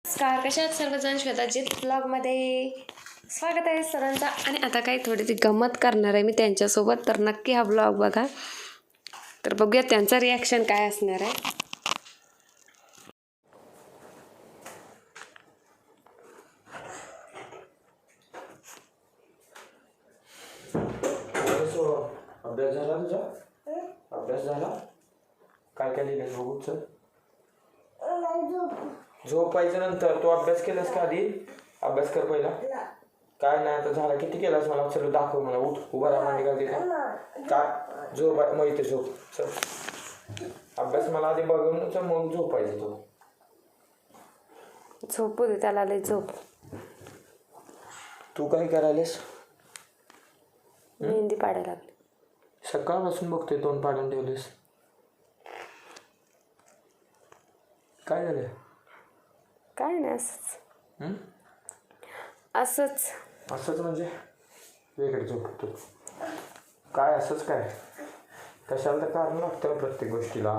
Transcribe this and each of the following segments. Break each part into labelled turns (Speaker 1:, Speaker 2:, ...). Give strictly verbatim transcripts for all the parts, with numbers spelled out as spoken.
Speaker 1: नमस्कार, कशा आहात सर्वजण? श्वेताजीत ब्लॉगमध्ये स्वागत आहे सर्वांचा. आणि आता काही थोडीशी गंमत करणार आहे मी त्यांच्यासोबत, तर नक्की हा ब्लॉग बघा. तर बघूया त्यांचं रिॲक्शन काय असणार आहे.
Speaker 2: अभ्यास झाला तुझा? अभ्यास झाला? काय काय लिहिलं बघूच? झोपायच्या नंतर तू अभ्यास केलास का आधी? अभ्यास कर पहिला. काय नाही आता झाला. किती केलास मला चल दाखव मला. उठ उभा राहा मांडी घालते का? काय झोप मग इथे झोप चल. अभ्यास मला आधी बघून मग झोपायचं तू.
Speaker 1: झोपू दे त्याला, लय झोप.
Speaker 2: तू काय करायलेस?
Speaker 1: मेहंदी पाडायला लागली.
Speaker 2: सकाळपासून बघतोय तोंड पाडून ठेवलेस. काय झालं?
Speaker 1: काय नाही, असंच असंच
Speaker 2: असंच म्हणजे वेगळं झोपतो काय? असंच काय? कशाला तर कारण लागतं प्रत्येक गोष्टीला.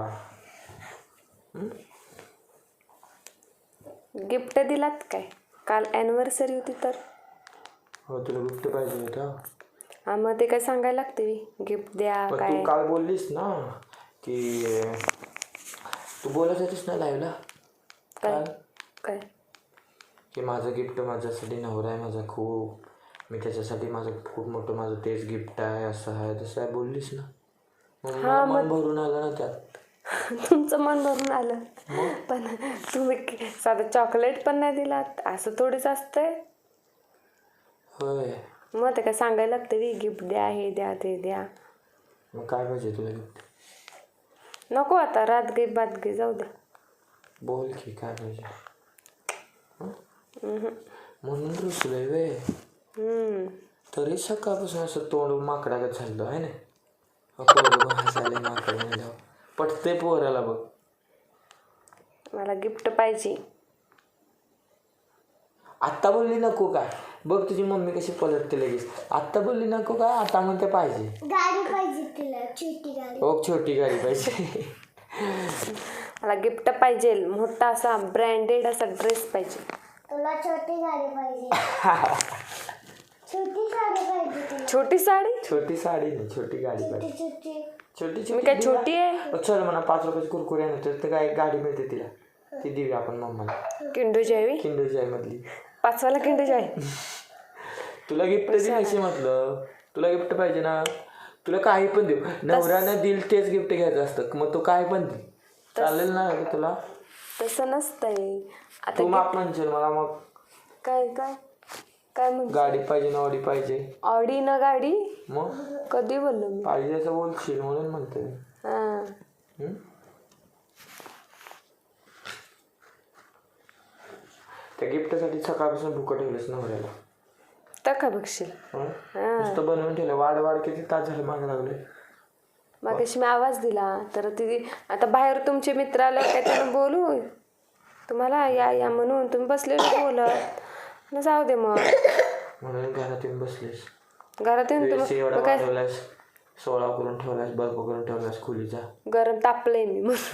Speaker 1: गिफ्ट दिलात काय? काल ॲनिव्हर्सरी होती तर.
Speaker 2: हो तुला गिफ्ट पाहिजे होतं.
Speaker 1: हा मग ते काय सांगायला लागते गिफ्ट द्या
Speaker 2: पण
Speaker 1: काय.
Speaker 2: तू काल बोललीस ना की तू बोलत होतीस ना लाईव्हला
Speaker 1: काय काय
Speaker 2: की माझं गिफ्ट माझ्यासाठी नवरा आहे माझा खूप, मी त्याच्यासाठी माझं खूप मोठं माझं तेच गिफ्ट आहे, असं आहे तसं आहे बोललीस ना. मग मला मन भरून आलं ना त्यात.
Speaker 1: तुमचं मन भरून आलं, पण तुम्ही साधं चॉकलेट पण नाही दिलात. असं थोडीच असतंय.
Speaker 2: होय
Speaker 1: मग ते काय सांगायला लागते गिफ्ट द्या, हे द्या ते द्या.
Speaker 2: मग काय पाहिजे तुला गिफ्ट?
Speaker 1: नको आता, रात गे बात गे, जाऊ दे.
Speaker 2: बोल की काय पाहिजे. म्हणून रुसलंय वे. तरी सकाळपासून असं तोंड माकडागत झालं आहे ना. हसायला माकड म्हणल्यावर पटते पोराला बघ.
Speaker 1: मला गिफ्ट पाहिजे.
Speaker 2: आत्ता बोलली नको काय? बघ तुझी मम्मी कशी पलटते लगेच. आत्ता बोलली नको काय, आता म्हणते पाहिजे.
Speaker 3: गाडी पाहिजे तिला, छोटी गाडी.
Speaker 2: हो छोटी गाडी पाहिजे.
Speaker 3: मला
Speaker 1: गिफ्ट पाहिजे, मोठा असा ब्रँडेड असा ड्रेस पाहिजे.
Speaker 3: तुला छोटी गाडी पाहिजे. छोटी साडी पाहिजे तुला.
Speaker 1: छोटी साडी?
Speaker 2: छोटी साडी नाही, छोटी गाडी
Speaker 3: छोटी
Speaker 2: पाहिजे.
Speaker 3: छोटी
Speaker 2: छोटी
Speaker 1: मी काय छोटी आहे?
Speaker 2: चल म्हणा पाच रुपयाची कुरकुरे आणतो तर काय गाडी मिळते तिला, ती देऊया आपण मम्माला.
Speaker 1: किंडू जयवी
Speaker 2: किंडर जॉय मधली
Speaker 1: पाचवाला किंडू जॉय.
Speaker 2: तुला गिफ्ट द्यायची म्हटलं, तुला गिफ्ट पाहिजे ना. तुला काही पण देऊ, नवऱ्यानं दिल तेच गिफ्ट घ्यायचं असतं. मग तू काय पण दे, चालेल ना तुला?
Speaker 1: तसं नसतंय. आता
Speaker 2: तू माप म्हणशील मला मग
Speaker 1: काय काय काय म्हण
Speaker 2: गाडी पाहिजे ना ऑडी पाहिजे.
Speaker 1: ऑडी ना गाडी?
Speaker 2: मग
Speaker 1: कधी बोललो मी?
Speaker 2: पाहिजे असं बोलशील म्हणून म्हणते.
Speaker 1: हा
Speaker 2: त्या गिफ्टसाठी सकाळपासून भुकं ठेवलंस नवऱ्याला.
Speaker 1: तर का बघशील.
Speaker 2: नुसतं बनवून ठेवलं. वाढ वाढ किती तास झाले मागे लागले.
Speaker 1: मग कशी मी आवाज दिला तर ती आता बाहेर तुमचे मित्र आले काय त्यानं बोलू तुम्हाला या या म्हणून तुम्ही बसलेले बोलत न जाऊ दे. मग
Speaker 2: म्हणून घरात येऊन बसलीस.
Speaker 1: घरात येऊन
Speaker 2: एवढा
Speaker 1: तुम्ही काय
Speaker 2: वाढवलास, सोळा करून ठेवलास, बल्ब करून ठेवलास खोलीचा.
Speaker 1: गरम तापलंय मी. मग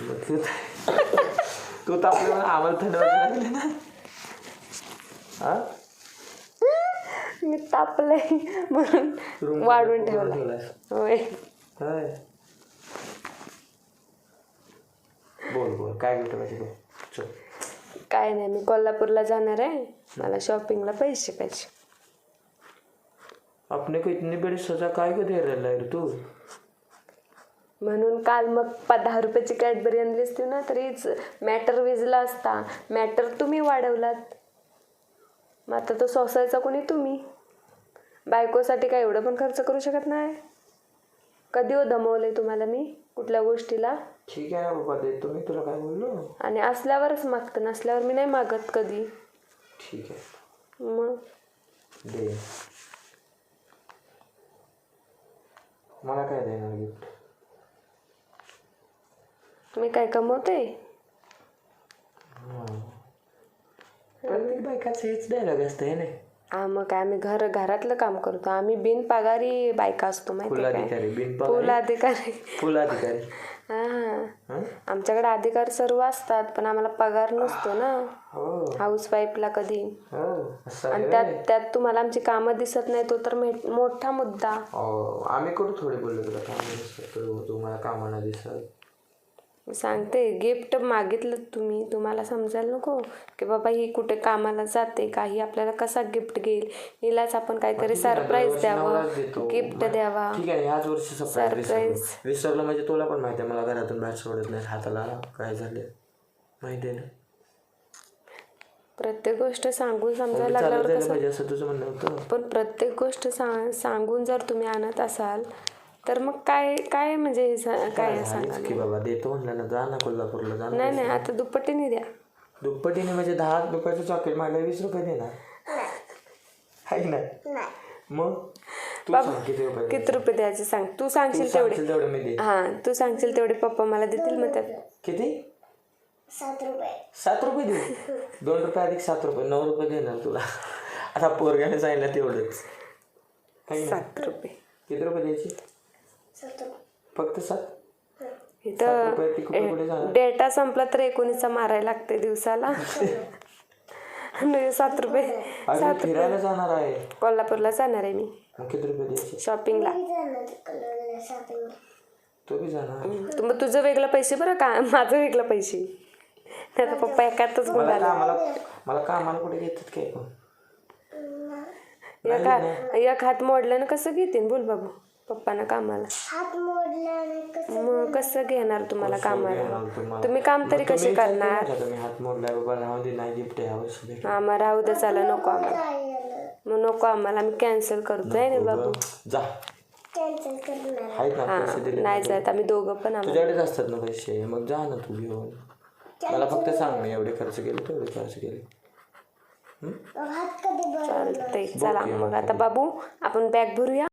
Speaker 2: तू तापले मला आम्हाला थंड वाजायला लागले ना. हा
Speaker 1: मी तापलंय म्हणून वाढवून ठेवलं. होय
Speaker 2: होय. बोल बोल काय गिफ्ट पाहिजे बोल. चल.
Speaker 1: काय नाही, मी कोल्हापूरला जाणार आहे, मला शॉपिंगला पैसे पाहिजे.
Speaker 2: आपने को इतनी बड़ी सजा काय को दे रहा है तू?
Speaker 1: म्हणून काल मग दहा रुपयाची कॅडबरी आणली असती ना तरीच मॅटर विजला असता. मॅटर तुम्ही वाढवलात. मग आता तो सोसायचा कोणी तुम्ही. बायकोसाठी काय एवढं पण खर्च करू शकत नाही. कधी हो दमवलंय तुम्हाला मी कुठल्या गोष्टीला?
Speaker 2: ठीक आहे ना बाबा देतो मी, तुला काय बोललो.
Speaker 1: आणि असल्यावरच मागतं, नसल्यावर मी नाही मागत कधी.
Speaker 2: ठीक आहे
Speaker 1: मग
Speaker 2: दे. मला काय देणार गिफ्ट?
Speaker 1: मी काय कमवते?
Speaker 2: प्रत्येक बायकाचं हेच डायलॉग असतं हे नाही.
Speaker 1: हा मग काय आम्ही घर घरातलं काम करतो आम्ही बिन पगारी बायका असतो माहिती
Speaker 2: फुल
Speaker 1: काय
Speaker 2: अधिकारी बिन
Speaker 1: फुल अधिकारी
Speaker 2: फुल अधिकारी
Speaker 1: हा
Speaker 2: हं?
Speaker 1: आमच्याकडे अधिकार सर्व असतात पण आम्हाला पगार नसतो ना
Speaker 2: हो
Speaker 1: हाऊस वाईफला कधी
Speaker 2: हो असं आहे
Speaker 1: आणि
Speaker 2: व्हय.
Speaker 1: त्यात त्यात तुम्हाला आमची कामं दिसत नाही तो तर मे- मोठा मुद्दा
Speaker 2: हो आम्ही कुठं थोडी बोललो तुला काम दिसत तुम्हाला कामाला दिसत
Speaker 1: मी सांगते गिफ्ट मागितलं तुम्ही तुम्हाला समजायला नको की बाबा ही कुठे कामाला जाते काही आपल्याला कसा गिफ्ट घेईल हिलाच आपण काहीतरी सरप्राईज द्यावं गिफ्ट द्यावा
Speaker 2: ठीक आहे ह्याच वर्षी सरप्राईज
Speaker 1: Surprise.
Speaker 2: विसरलो म्हणजे तुला पण माहिती आहे मला घरातून बाहेर सोडत नाही हाताला काय झाले माहिती आहे ना
Speaker 1: प्रत्येक गोष्ट सांगून समजायला
Speaker 2: चालत
Speaker 1: लागल्यावर
Speaker 2: जायला
Speaker 1: कसं
Speaker 2: पाहिजे असं तुझं म्हणणं होतं
Speaker 1: पण प्रत्येक गोष्ट सांग सांगून जर तुम्ही आणत असाल तर मग काय काय म्हणजे हे सा- काय सांगा
Speaker 2: झालीच की बाबा देतो म्हणलं ना जा ना कोल्हापूरला जा ना
Speaker 1: नाही नाही आता दुप्पटीने द्या
Speaker 2: दुप्पटीने म्हणजे दहा रुपयाचं चॉकलेट मला वीस रुपये देणार आहे ना मग तू सांग किती रुपये
Speaker 1: किती रुपये द्यायचे सांग तू
Speaker 2: तू
Speaker 1: सांगशील तेवढे
Speaker 2: सांगशील तेवढे मी दे
Speaker 1: हा तू सांगशील तेवढे पप्पा मला देतील मग त्यात
Speaker 2: किती
Speaker 3: सात रुपये
Speaker 2: सात रुपये देऊ दोन रुपये अधिक सात रुपये नऊ रुपये देणार तुला आता पोरग्याने सांगितलं तेवढंच है ना?
Speaker 1: सात रुपये
Speaker 2: किती रुपये द्यायचे
Speaker 3: सात रुपये
Speaker 2: फक्त सात सात
Speaker 1: इथं
Speaker 2: रुपये ती कुठे कुठे जाणार
Speaker 1: डेटा संपला तर एकोणीसचा मारायला लागते दिवसाला आणि सात रुपये
Speaker 2: अजून फिरायला जाणार आहे
Speaker 1: कोल्हापूरला जाणार आहे मी
Speaker 2: मग किती रुपये द्यायचे
Speaker 1: शॉपिंगला
Speaker 3: कलर शॉपिंग
Speaker 2: तो बी जाणार
Speaker 1: तू मग तुझं वेगळं पैसे बरं का माझं वेगळं पैसे नाही तर पप्पा एकातच
Speaker 2: मला
Speaker 1: गुंडाला
Speaker 2: कामाला मला कामाला कुठे घेतात काय पण
Speaker 1: एक हात एक हात मोडल्यानं कसं घेतील बोल बाबू पप्पांना कामाला
Speaker 3: हात मोडल्याने कसं
Speaker 1: मग कसं घेणार तुम्हाला कामाला
Speaker 2: घेणार तुम्हाला?
Speaker 1: तुम्ही काम तरी
Speaker 2: मग
Speaker 1: कसे
Speaker 2: तुम्ही
Speaker 1: करणार
Speaker 2: विचार केला का तुम्ही हात मोडलाय बाबा राहून दे नाही गिफ्ट ह्या वर्षी भेट
Speaker 1: आम्हाला राहू दे चला नको आम्हाला
Speaker 3: काय झालं
Speaker 1: मग नको आम्हाला आम्ही कॅन्सल करतोय ना बाबू
Speaker 2: जा
Speaker 3: कॅन्सल करणार
Speaker 2: आहेत ना पैसे दिले
Speaker 1: नाही जात आम्ही दोघं पण आम्हाला
Speaker 2: तुझ्याकडेच असतात ना पैसे मग जा ना तू घेऊन मला फक्त सांग मी एवढे खर्च केले तेवढे खर्च केले
Speaker 3: हात कधी बरं
Speaker 1: चालतंय चला मग आता बाबू आपण बॅग भरूया